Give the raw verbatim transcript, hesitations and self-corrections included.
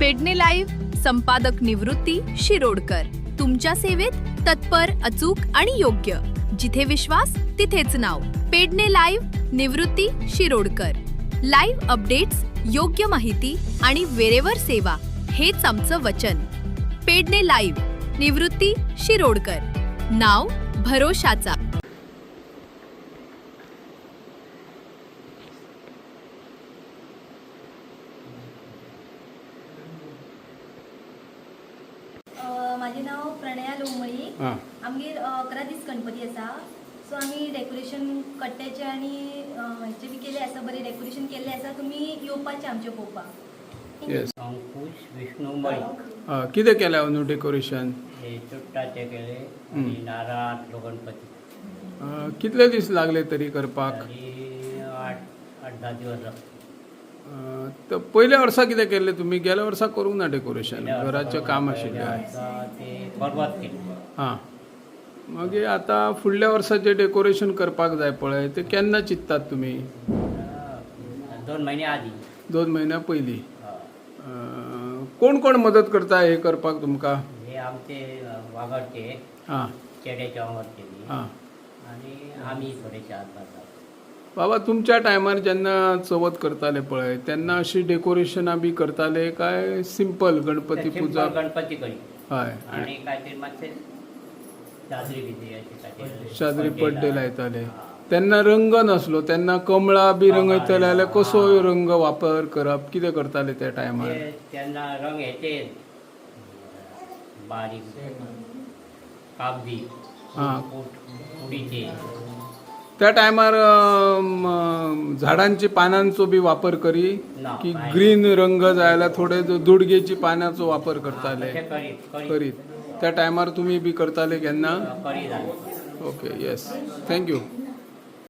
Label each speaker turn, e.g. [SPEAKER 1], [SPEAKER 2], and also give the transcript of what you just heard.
[SPEAKER 1] Pedne live संपादक निवृत्ती शिरोडकर तुमच्या सेवेत तत्पर, अचूक आणि योग्य. जिथे विश्वास तिथेच नाव. Pedne live Nivrutti Shirodkar. Live updates, योग्य माहिती आणि वेळेवर सेवा हेच आमचं वचन. पेडणे लाईव्ह निवृत्ती शिरोडकर. नाव भरोशाचा.
[SPEAKER 2] माझे नाव प्रणया लोमळी. आमगे अकरा दीस गणपती असा. सो आम्ही डेकोरेशन कट्ट्याचे आणि ह्याचे बी केले असा, बरे डेकोरेशन केले असा. तुम्ही येवपाचे आमचे पळोवपाक.
[SPEAKER 3] येस.
[SPEAKER 4] अंकुश विष्णू मळी.
[SPEAKER 3] कितें केलें न्हू डेकोरेशन?
[SPEAKER 4] हे चुट्टाचे केले आणि नारळ गणपती.
[SPEAKER 3] कितले दीस लागले तरी करपाक?
[SPEAKER 4] आणि आठ आठ दहा दिवस लागले.
[SPEAKER 3] तर पयल्या वर्सा कितें केलें तुमी? गेल्या वर्सा करूंक ना डेकोरेशन? घराचें काम आशिल्लें.
[SPEAKER 4] ते बरबाद केले.
[SPEAKER 3] हां. मागीर आतां फुडल्या वर्सा जें डेकोरेशन करपाक जाय पळय तें केन्ना चिंततात तुमी?
[SPEAKER 4] दोन महिने आधी.
[SPEAKER 3] दोन म्हयन्या पयलीं. कोण कोण मदत करता हे करपाक तुमकां?
[SPEAKER 4] हे आमचे वागडचे.
[SPEAKER 3] हां.
[SPEAKER 4] चेड्याच्या वागडचे.
[SPEAKER 3] हां.
[SPEAKER 4] आणि आम्ही थोडेशे हात घालतात.
[SPEAKER 3] बाबा तुमच्या टायमार जेन्ना चवथ करताले पळय तेन्ना अशी डेकोरेशनां बी करताले काय सिंपल गणपती पुजा?
[SPEAKER 4] गणपती करी.
[SPEAKER 3] हय.
[SPEAKER 4] आणि काहीतरी मातशे चादरी बिदरी अशी काहीतरी
[SPEAKER 3] चादरी पड्डे लायताले. तेन्ना रंग नासलो, तेन्ना कमळां बी रंगयताले जाल्यार कसो रंग वापर करप? कितें करताले त्या टायमार?
[SPEAKER 4] तेन्ना रंग हेचे बारीक कागदी.
[SPEAKER 3] हां.
[SPEAKER 4] उडीचे.
[SPEAKER 3] त्या टायमार झाडांची पानांचो बी वापर करी की ग्रीन रंग जाय जाल्यार थोडे दुडगेची पानांचो वापर करताले? करीत. त्या टायमार तुमी बी करताले केन्ना?
[SPEAKER 4] करी.
[SPEAKER 3] ओके. येस. थँक्यू.